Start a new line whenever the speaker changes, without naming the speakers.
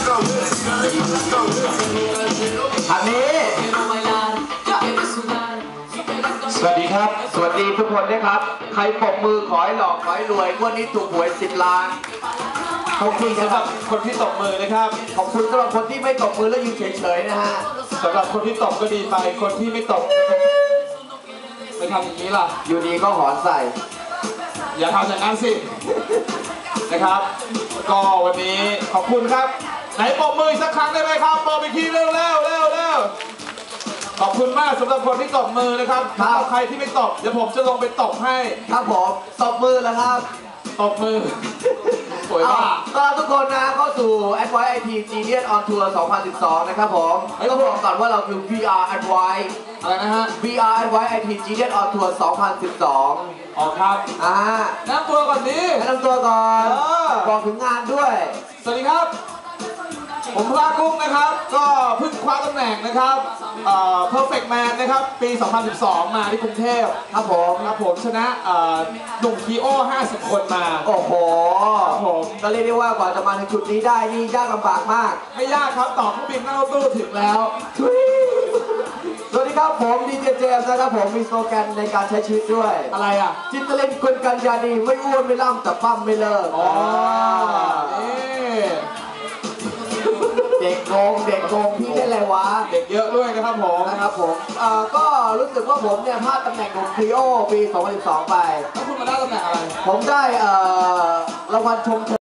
อันนี้สวัสดีครับสวัสดีทุกคนนะครับใครปรบมือขอให้หล่อขอให้รวยงวดนี้ถูกหวย10 ล้านขอบคุณสำหรับคนที่ตบมือนะครับขอบคุณสำหรับคนที่ไม่ตบมือแล้วยืนเฉยๆนะฮะสำหรับคนที่ตบก็ดีไปคนที่ไม่ตบไม่ทำอย่างนี้ล่ะอยู่ดีก็หอนใส่อย่าทำอย่างนั้นสินะครับก็วันนี้ขอบคุณครับไหนปรบมือสักครั้งได้ไหมครับปรบอีกทีเร็วขอบคุณมากสำหรับคนที่ตบมือนะครับถ้าใครที่ไม่ตบเดี๋ยวผมจะลงไปตบให้ครับผมตบมือแล้วครับตบมือสวยมากก็ทุกคนนะเข้าสู่ Advice IT Genius on Tour 2012 นะครับผมต้องบอกก่อนว่าเราคือ VR Advice อะไรนะฮะ VR Advice IT Genius on Tour 2012 อ๋อครับแนะนำตัวก่อนดิแนะนำตัวก่อนบอกถึงงานด้วยสวัสดีครับผมพลากุ้งนะครับก็เพิ่งคว้าตำแหน่งนะครับ Perfect Man นะครับปี 2012 มาที่กรุงเทพครับผมชนะหนุ่มคีโอ50 คนมาโอ้โหผมก็เรียกได้ว่ากว่าจะมาถึงจุดนี้ได้นี่ยากลำบากมากไม่ยากครับต่อเครื่องบินนั่งรถตู้ถึงแล้วสวัสดีครับผมดีเจเจมส์นะครับผมมีสโลแกนในการใช้ชีวิตด้วยอะไรอ่ะจิตเล่นคนกันยาดีไม่อ้วนไม่ล่ำแต่ปั้มไม่เลิกเด็กโกงพี่ได้อะไรวะเด็กเยอะด้วยนะครับผมก็รู้สึกว่าผมเนี่ยพลาดตำแหน่งของครีโอปี 2012 ไปแล้วคุณมาได้ตำแหน่งอะไรผมได้รางวัลชมเชย